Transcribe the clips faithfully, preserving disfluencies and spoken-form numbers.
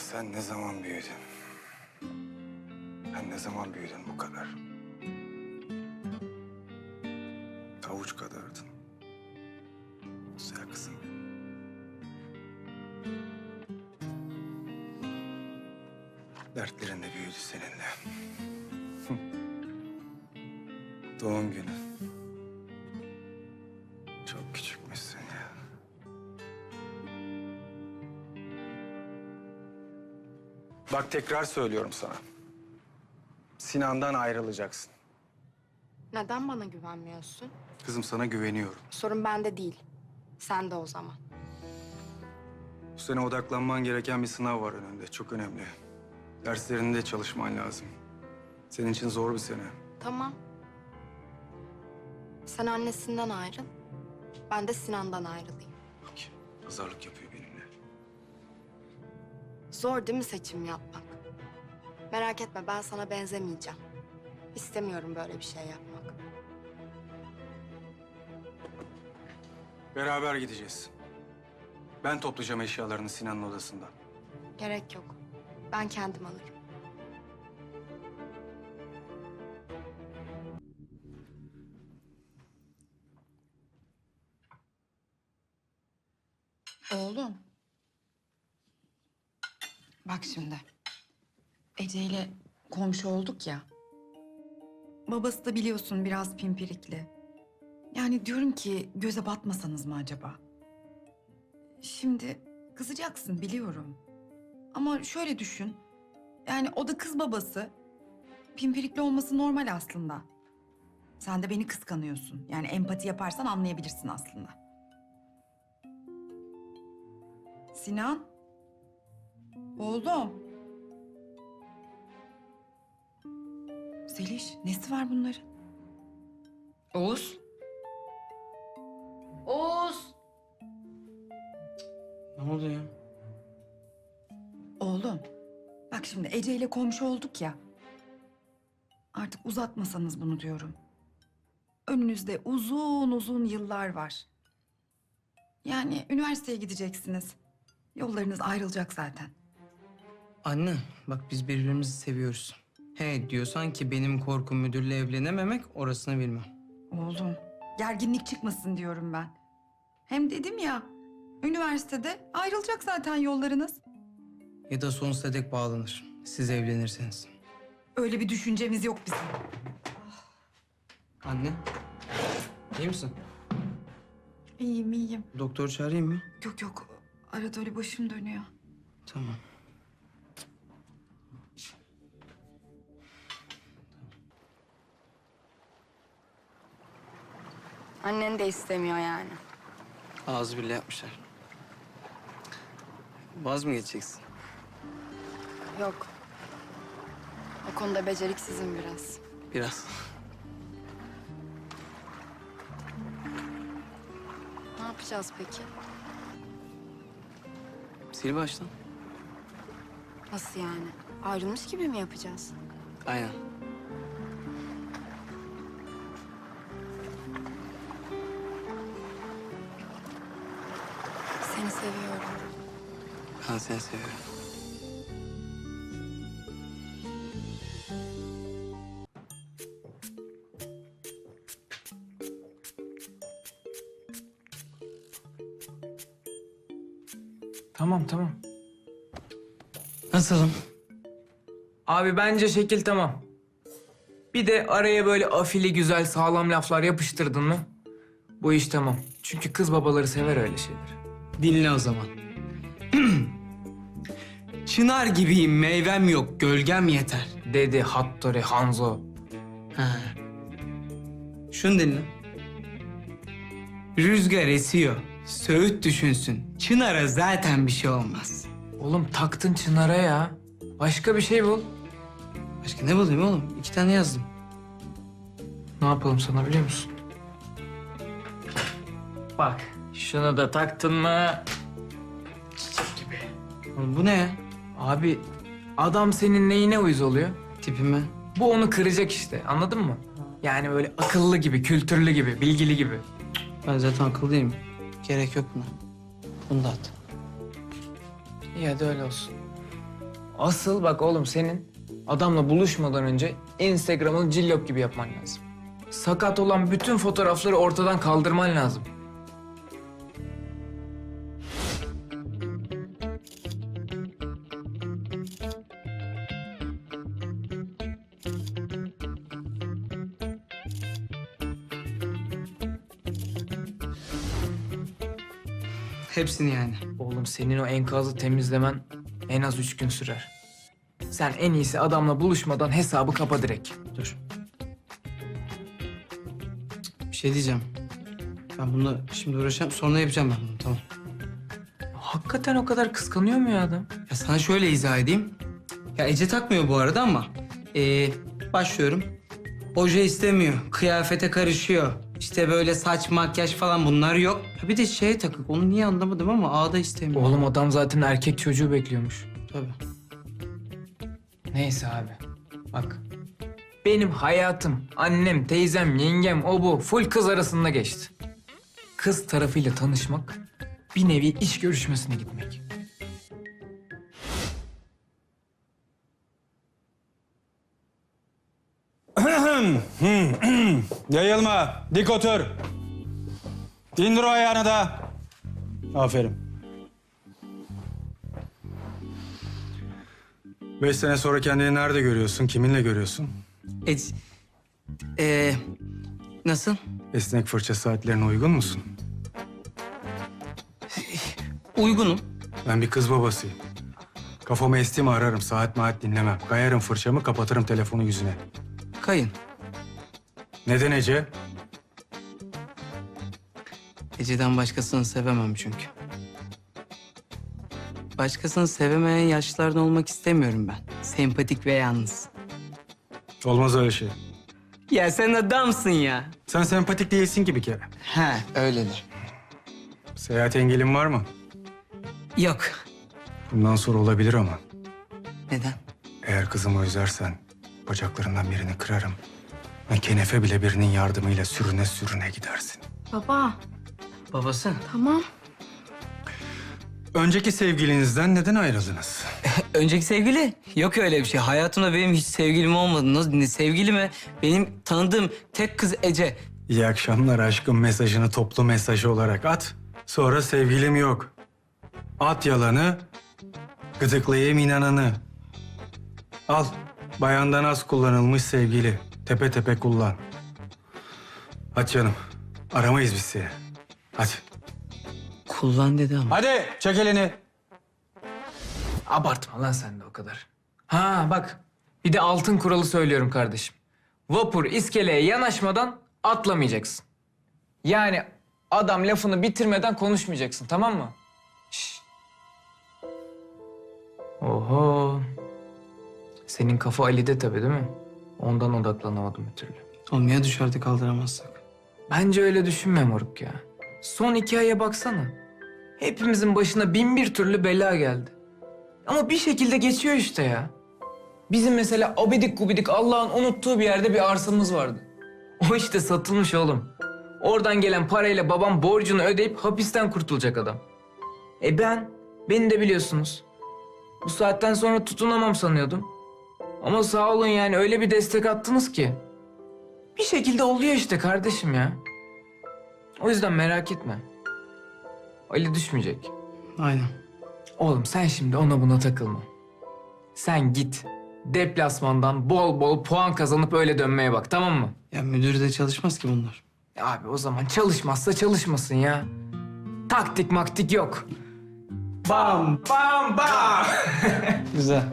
sen ne zaman büyüdün? Sen ne zaman büyüdün bu kadar? Avuç kadardın. Güzel kızım. Dertlerin de büyüdü seninle. Doğum günü. Çok küçükmüşsün ya. Bak tekrar söylüyorum sana. Sinan'dan ayrılacaksın. Neden bana güvenmiyorsun? Kızım sana güveniyorum. Sorun bende değil. Sen de o zaman. Bu sene odaklanman gereken bir sınav var önünde. Çok önemli. Derslerinde çalışman lazım. Senin için zor bir sene. Tamam. Sen annesinden ayrıl. Ben de Sinan'dan ayrılayım. Bak, pazarlık yapıyor benimle. Zor değil mi seçim yapmak? Merak etme, ben sana benzemeyeceğim. İstemiyorum böyle bir şey yapmak. Beraber gideceğiz. Ben toplayacağım eşyalarını Sinan'ın odasından. Gerek yok. Ben kendim alırım. Oğlum. Bak şimdi. Ece ile komşu olduk ya. Babası da biliyorsun biraz pimpirikli. Yani diyorum ki göze batmasanız mı acaba? Şimdi kızacaksın biliyorum. Ama şöyle düşün. Yani o da kız babası. Pimpirikli olması normal aslında. Sen de beni kıskanıyorsun. Yani empati yaparsan anlayabilirsin aslında. Sinan. Oğlum. Zeliş, nesi var bunların? Oğuz. Oğuz. Ne oldu ya? Oğlum, bak şimdi Ece ile komşu olduk ya. Artık uzatmasanız bunu diyorum. Önünüzde uzun uzun yıllar var. Yani üniversiteye gideceksiniz. Yollarınız ayrılacak zaten. Anne, bak biz birbirimizi seviyoruz. He diyorsan ki benim korkum müdürle evlenememek, orasını bilmem. Oğlum, gerginlik çıkmasın diyorum ben. Hem dedim ya, üniversitede ayrılacak zaten yollarınız. Ya da sonsuza dek bağlanır. Siz evlenirseniz. Öyle bir düşüncemiz yok bizim. Anne, iyi misin? İyiyim, iyiyim. Doktor çağırayım mı? Yok yok, arada öyle başım dönüyor. Tamam. Annen de istemiyor yani. Ağzı bile yapmışlar. Vaz mı geçeceksin? Yok. O konuda beceriksizim biraz. Biraz. Ne yapacağız peki? Sil baştan. Nasıl yani? Ayrılmış gibi mi yapacağız? Aynen. Seni seviyorum. Ben seni seviyorum. Tamam tamam. Nasılım? Abi bence şekil tamam. Bir de araya böyle afili güzel sağlam laflar yapıştırdın mı? Bu iş tamam. Çünkü kız babaları sever öyle şeyleri. Dinle o zaman. Çınar gibiyim, meyvem yok, gölgem yeter. Dedi Hattori Hanzo. Ha. Şunu dinle. Rüzgar esiyor, Söğüt düşünsün. Çınar'a zaten bir şey olmaz. Oğlum taktın Çınar'a ya. Başka bir şey bul. Başka ne bulayım oğlum? İki tane yazdım. Ne yapalım sana biliyor musun? Bak şunu da taktın mı? Oğlum bu ne ya? Abi adam senin neyine uyuz oluyor? Tipime. Bu onu kıracak işte anladın mı? Yani böyle akıllı gibi, kültürlü gibi, bilgili gibi. Ben zaten akıllıyım. Gerek yok buna. Bunu da at. İyi hadi öyle olsun. Asıl bak oğlum senin adamla buluşmadan önce Instagram'ını cillop gibi yapman lazım. Sakat olan bütün fotoğrafları ortadan kaldırman lazım. Hepsini yani. Oğlum senin o enkazı temizlemen en az üç gün sürer. Sen en iyisi adamla buluşmadan hesabı kapa direkt. Dur. Bir şey diyeceğim. Ben bununla şimdi uğraşacağım. Sonra yapacağım ben bunu. Tamam. Hakikaten o kadar kıskanıyor mu ya adam? Ya sana şöyle izah edeyim. Ya Ece takmıyor bu arada ama... ee, başlıyorum. Oje istemiyor. Kıyafete karışıyor. İşte böyle saç, makyaj falan bunlar yok. Ya bir de şeye takık. Onu niye anlamadım ama ağda istemiyor. Oğlum adam zaten erkek çocuğu bekliyormuş. Tabii. Neyse abi. Bak. Benim hayatım, annem, teyzem, yengem, o bu full kız arasında geçti. Kız tarafıyla tanışmak bir nevi iş görüşmesine gitmek. Yayılma, dik otur. İndir o ayağını da. Aferin. Beş sene sonra kendini nerede görüyorsun, kiminle görüyorsun? Ece... Ee, nasıl? Esnek fırça saatlerine uygun musun? Uygunum. Ben bir kız babasıyım. Kafamı esti mi ararım, saat maat dinlemem. Kayarım fırçamı, kapatırım telefonu yüzüne. Kayın. Neden Ece? Ece'den başkasını sevemem çünkü. Başkasını sevemeyen yaşlılardan olmak istemiyorum ben. Sempatik ve yalnız. Olmaz öyle şey. Ya sen adamsın ya. Sen sempatik değilsin ki bir kere. He, öyledir. Seyahat engelin var mı? Yok. Bundan sonra olabilir ama. Neden? Eğer kızımı üzersen bacaklarından birini kırarım. Ve kenefe bile birinin yardımıyla sürüne sürüne gidersin. Baba, Babası. tamam. Önceki sevgilinizden neden ayrıldınız? Önceki sevgili? Yok öyle bir şey. Hayatımda benim hiç sevgilim olmadı. Nasıl ne sevgilime? Benim tanıdığım tek kız Ece. İyi akşamlar aşkım mesajını toplu mesaj olarak at. Sonra sevgilim yok. At yalanı, gıdıklayayım inananı. Al, bayandan az kullanılmış sevgili. Tepe tepe kullan. Hadi canım, aramayız biz seni. Hadi. Kullan dedi ama. Hadi, çek elini. Abartma lan sen de o kadar. Ha bak, bir de altın kuralı söylüyorum kardeşim. Vapur iskeleye yanaşmadan atlamayacaksın. Yani adam lafını bitirmeden konuşmayacaksın, tamam mı? Şş. Oho. Senin kafa Ali'de tabii değil mi? Ondan odaklanamadım bir türlü. Oğlum ya dışarıda kaldıramazsak? Bence öyle düşünme moruk ya. Son iki aya baksana. Hepimizin başına bin bir türlü bela geldi. Ama bir şekilde geçiyor işte ya. Bizim mesela abidik gubidik Allah'ın unuttuğu bir yerde bir arsamız vardı. O işte satılmış oğlum. Oradan gelen parayla babam borcunu ödeyip hapisten kurtulacak adam. E ben, beni de biliyorsunuz. Bu saatten sonra tutunamam sanıyordum. Ama sağ olun yani öyle bir destek attınız ki. Bir şekilde oluyor işte kardeşim ya. O yüzden merak etme. Ali düşmeyecek. Aynen. Oğlum sen şimdi ona buna takılma. Sen git. Deplasmandan bol bol puan kazanıp öyle dönmeye bak, tamam mı? Ya müdür de çalışmaz ki bunlar. Ya abi o zaman çalışmazsa çalışmasın ya. Taktik maktik yok. Bam bam bam. Güzel.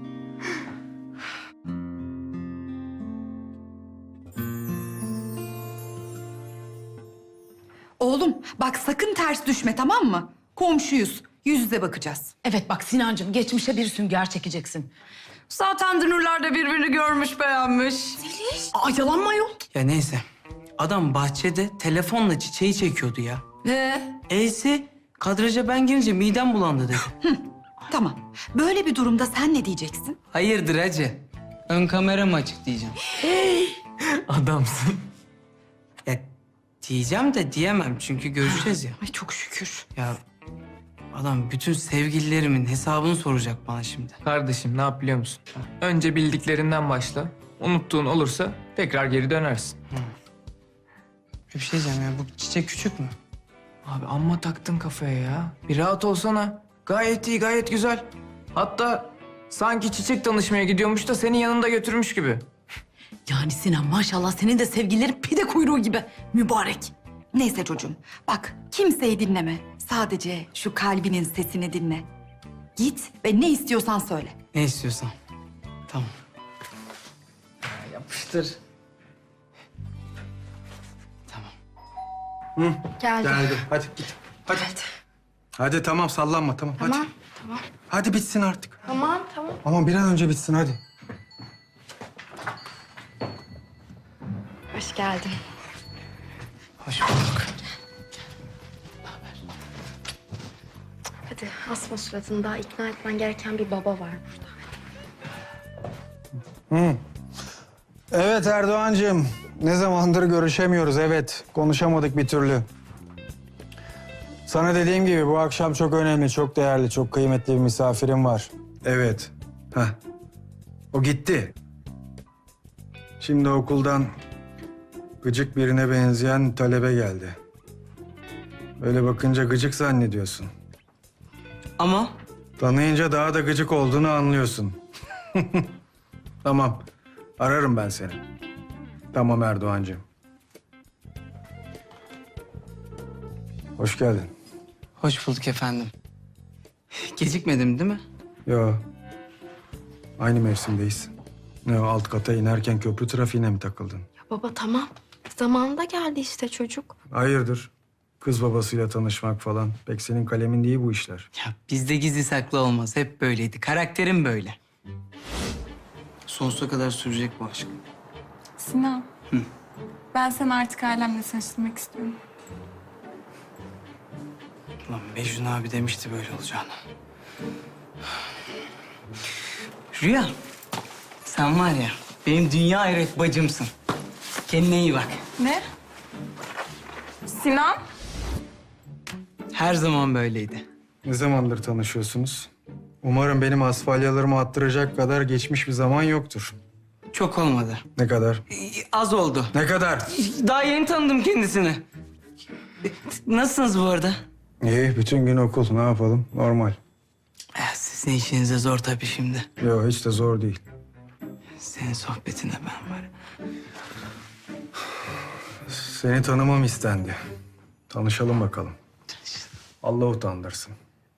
Oğlum bak sakın ters düşme tamam mı? Komşuyuz. Yüz yüze bakacağız. Evet bak Sinancığım geçmişe bir sünger çekeceksin. Zaten dünürler de birbirini görmüş beğenmiş. Aa yalan mı ayol? Ya neyse. Adam bahçede telefonla çiçeği çekiyordu ya. Ee, Eysi kadraja ben girince midem bulandı dedi. tamam. Böyle bir durumda sen ne diyeceksin? Hayırdır hacı? Ön kamera mı açık diyeceğim. Adamsın. Ya diyeceğim de diyemem çünkü görüşeceğiz ya. Ay çok şükür. Ya Adam bütün sevgililerimin hesabını soracak bana şimdi. Kardeşim ne yap biliyor musun? Önce bildiklerinden başla. Unuttuğun olursa tekrar geri dönersin. Bir şey diyeceğim ya, bu çiçek küçük mü? Abi amma taktın kafaya ya. Bir rahat olsana. Gayet iyi, gayet güzel. Hatta sanki çiçek tanışmaya gidiyormuş da seni yanında götürmüş gibi. Yani Sinan maşallah senin de sevgililerin pide kuyruğu gibi. Mübarek. Neyse çocuğum, bak kimseyi dinleme. Sadece şu kalbinin sesini dinle. Git ve ne istiyorsan söyle. Ne istiyorsan. Tamam. Yapıştır. Tamam. Geldi. Geldi. Hadi git. Hadi. Hadi tamam sallanma tamam. Tamam, Hadi. tamam. Hadi bitsin artık. Tamam, tamam. Aman bir an önce bitsin hadi. Hoş geldin. Hoş bulduk. Hadi asma suratını, daha ikna etmen gereken bir baba var burada. Evet Erdoğancığım. Ne zamandır görüşemiyoruz evet. Konuşamadık bir türlü. Sana dediğim gibi bu akşam çok önemli, çok değerli, çok kıymetli bir misafirim var. Evet. Heh. O gitti. Şimdi okuldan gıcık birine benzeyen talebe geldi. Böyle bakınca gıcık zannediyorsun. Ama Tanıyınca daha da gıcık olduğunu anlıyorsun. Tamam. Ararım ben seni. Tamam Erdoğancığım. Hoş geldin. hoş bulduk efendim. Gecikmedim değil mi? Yo. Aynı mevsimdeyiz. Ne o alt kata inerken köprü trafiğine mi takıldın? Ya baba tamam. Zamanında geldi işte çocuk. Hayırdır? Kız babasıyla tanışmak falan. Pek senin kalemin değil bu işler. Ya bizde gizli saklı olmaz. Hep böyleydi. Karakterim böyle. Sonsuza kadar sürecek bu aşk. Sinan. Ben seni artık ailemle tanıştırmak istiyorum. Lan Mecnun abi demişti böyle olacağını. Rüya, sen var ya benim dünya hayret bacımsın. Kendine iyi bak. Ne? Sinan? Her zaman böyleydi. Ne zamandır tanışıyorsunuz? Umarım benim asfalyalarımı attıracak kadar geçmiş bir zaman yoktur. Çok olmadı. Ne kadar? Ee, Az oldu. Ne kadar? Daha yeni tanıdım kendisini. Nasılsınız bu arada? İyi, bütün gün okul. Ne yapalım? Normal. Eh, Sizin işinize zor tabii şimdi. Yok, hiç de zor değil. Senin sohbetine ben var. Seni tanımam istendi. Tanışalım bakalım. Allah utandırsın.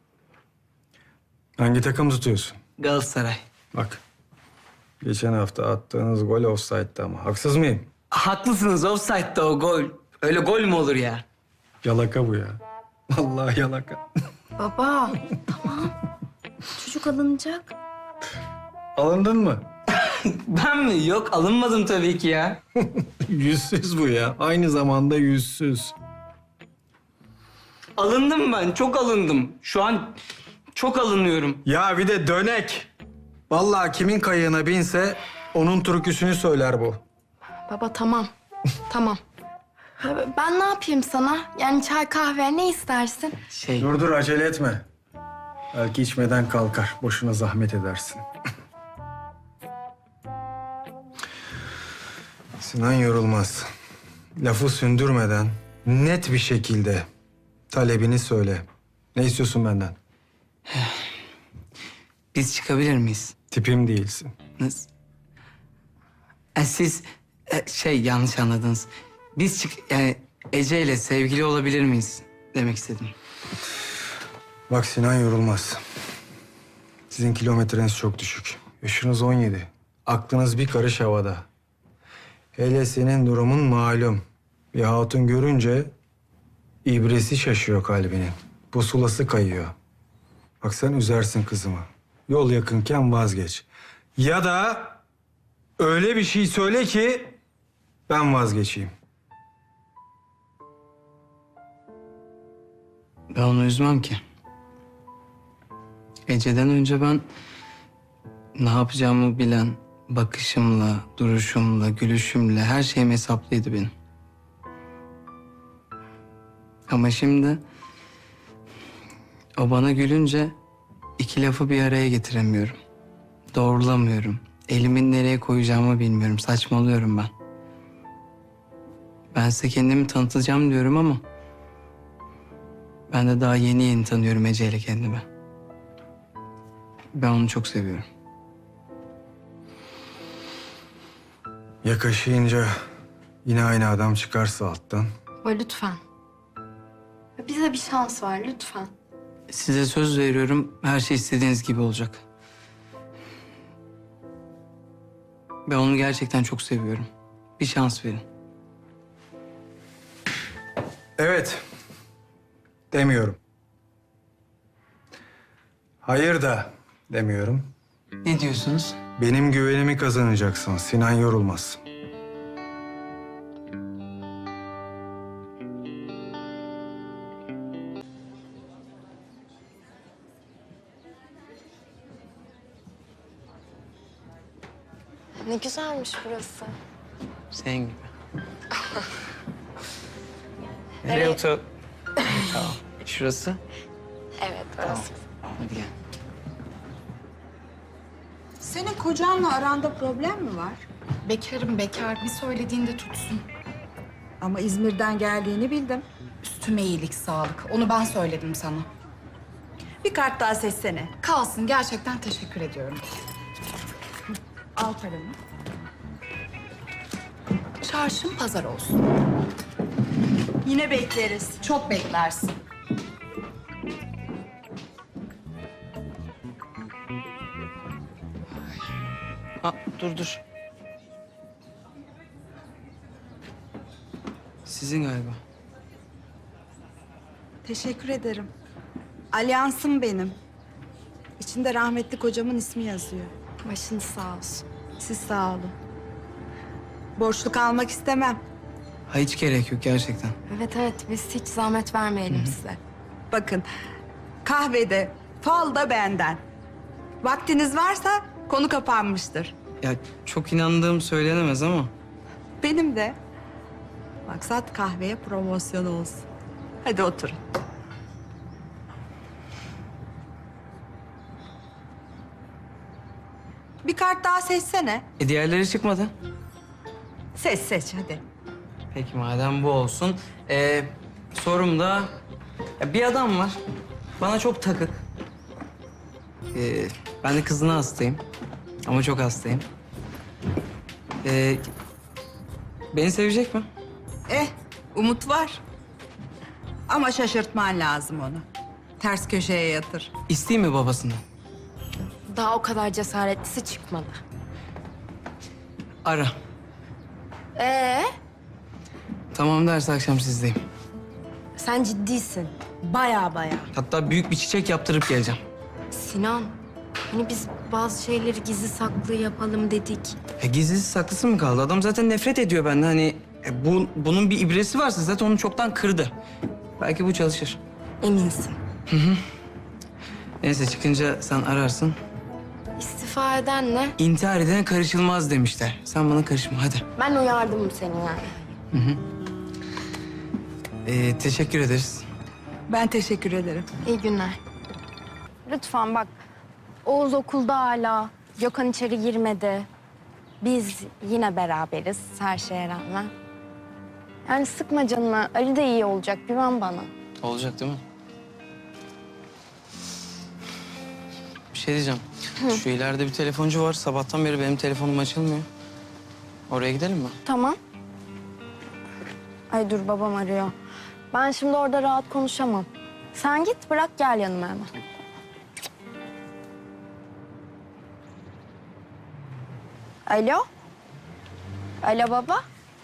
Hangi takım tutuyorsun? Galatasaray. Bak. Geçen hafta attığınız gol offside'dı ama. Haksız mıyım? Haklısınız, offside'da o gol. Öyle gol mü olur ya? Yalaka bu ya. Vallahi yalaka. Baba tamam. Çocuk alınacak. Alındın mı? Ben mi? Yok, alınmadım tabii ki ya. Yüzsüz bu ya. Aynı zamanda yüzsüz. Alındım ben, çok alındım. Şu an çok alınıyorum. Ya bir de dönek. Vallahi kimin kayığına binse onun türküsünü söyler bu. Baba tamam. Tamam. Ha, ben ne yapayım sana? Yani çay kahve ne istersin? Şey, Dur dur acele etme. Belki içmeden kalkar. Boşuna zahmet edersin. Sinan yorulmaz. Lafı sündürmeden net bir şekilde talebini söyle. Ne istiyorsun benden? biz çıkabilir miyiz? Tipim değilsin. Nasıl? E, siz e, şey yanlış anladınız. Biz çık yani Ece ile sevgili olabilir miyiz demek istedim. Bak Sinan yorulmaz. Sizin kilometreniz çok düşük. Yaşınız on yedi. Aklınız bir karış havada. Hele senin durumun malum. Bir hatun görünce ibresi şaşıyor kalbinin. Pusulası kayıyor. Bak sen üzersin kızımı. Yol yakınken vazgeç. Ya da öyle bir şey söyle ki ben vazgeçeyim. Ben onu üzmem ki. Ece'den önce ben ne yapacağımı bilen, bakışımla, duruşumla, gülüşümle her şeyim hesaplıydı benim. Ama şimdi O bana gülünce iki lafı bir araya getiremiyorum. Doğrulamıyorum. Elimi nereye koyacağımı bilmiyorum. Saçmalıyorum ben. Ben size kendimi tanıtacağım diyorum ama... ben de daha yeni yeni tanıyorum Ece ile kendimi. Ben onu çok seviyorum. Yakaşıyınca yine aynı adam çıkarsa alttan. Baba lütfen. Bize bir şans ver lütfen. Size söz veriyorum, her şey istediğiniz gibi olacak. Ben onu gerçekten çok seviyorum. Bir şans verin. Evet. Demiyorum. Hayır da demiyorum. Ne diyorsunuz? Benim güvenimi kazanacaksın. Sinan yorulmaz. Ne güzelmiş burası. Senin gibi. Nereye otur? Tamam. Şurası. Evet burası. Hadi gel. Senin kocanla aranda problem mi var? Bekarım bekar. Bir söylediğinde tutsun. Ama İzmir'den geldiğini bildim. Üstüme iyilik sağlık. Onu ben söyledim sana. Bir kart daha seçsene. Kalsın. Gerçekten teşekkür ediyorum. Al paramı. Çarşın pazar olsun. Yine bekleriz. Çok beklersin. Ha, dur dur. Sizin galiba. Teşekkür ederim. Alyansım benim. İçinde rahmetli kocamın ismi yazıyor. Başınız sağ olsun. Siz sağ olun. Borçlu kalmak istemem. Ha, hiç gerek yok gerçekten. Evet evet biz hiç zahmet vermeyelim size. Bakın, kahvede, fal da benden. Vaktiniz varsa konu kapanmıştır. Ya çok inandığım söylenemez ama... Benim de. Maksat kahveye promosyon olsun. Hadi oturun. Bir kart daha seçsene. E diğerleri çıkmadı. Seç seç hadi. Peki madem bu olsun. Ee, sorum da... ya bir adam var. Bana çok takık. Ee, ben de kızına hastayım. Ama çok hastayım. Ee, beni sevecek mi? Eh, umut var. Ama şaşırtman lazım onu. Ters köşeye yatır. İsteyeyim mi babasından? Daha o kadar cesaretlisi çıkmadı. Ara. Ee, Tamam derse akşam sizdeyim. sen ciddisin. Baya baya. Hatta büyük bir çiçek yaptırıp geleceğim. Sinan, hani biz bazı şeyleri gizli saklı yapalım dedik. E, gizlisi saklısı mı kaldı? Adam zaten nefret ediyor benden. Hani e, bu, bunun bir ibresi varsa zaten onu çoktan kırdı. Belki bu çalışır. Eminsin. Neyse çıkınca sen ararsın. İstifa eden ne? İntihar edene karışılmaz demişler. Sen bana karışma hadi. Ben uyardım seni yani. Ee, teşekkür ederiz. Ben teşekkür ederim. İyi günler. Lütfen bak, Oğuz okulda hala. Gökhan içeri girmedi. Biz yine beraberiz her şeye rağmen. Yani sıkma canını. Ali de iyi olacak. Güven bana. Olacak değil mi? Bir şey diyeceğim. Şu ileride bir telefoncu var. Sabahtan beri benim telefonum açılmıyor. Oraya gidelim mi? Tamam. Ay dur babam arıyor. Ben şimdi orada rahat konuşamam. Sen git bırak gel yanıma hemen. Alo? Alo baba?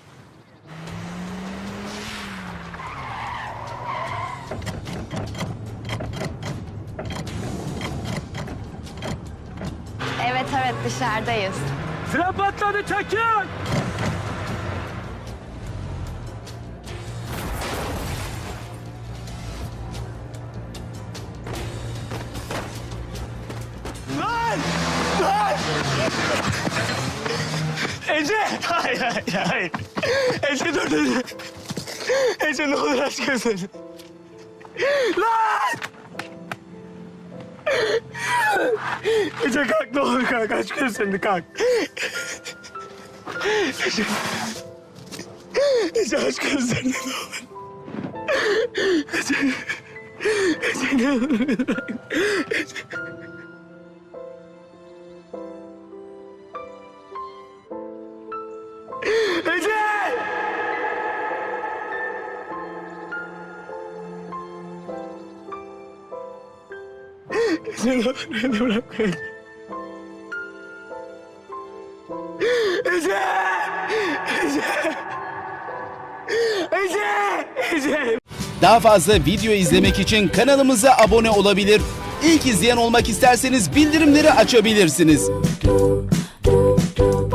Evet evet dışarıdayız. Fren patladı çekin! Lan! Lan! Ece! Hayır, hayır, hayır. Ece dur dedi. Ece ne olur aç gözlerini. Lan! Ece kalk ne olur kalk. Aç gözlerini kalk. Ece. Ece aç gözlerini ne olur. Ece. Ece ne olur beni bırak. Ece. Ece! Ece ne olur beni bırakma. Ece! Ece! Ece! Ece! Daha fazla video izlemek için kanalımıza abone olabilir. İlk izleyen olmak isterseniz bildirimleri açabilirsiniz.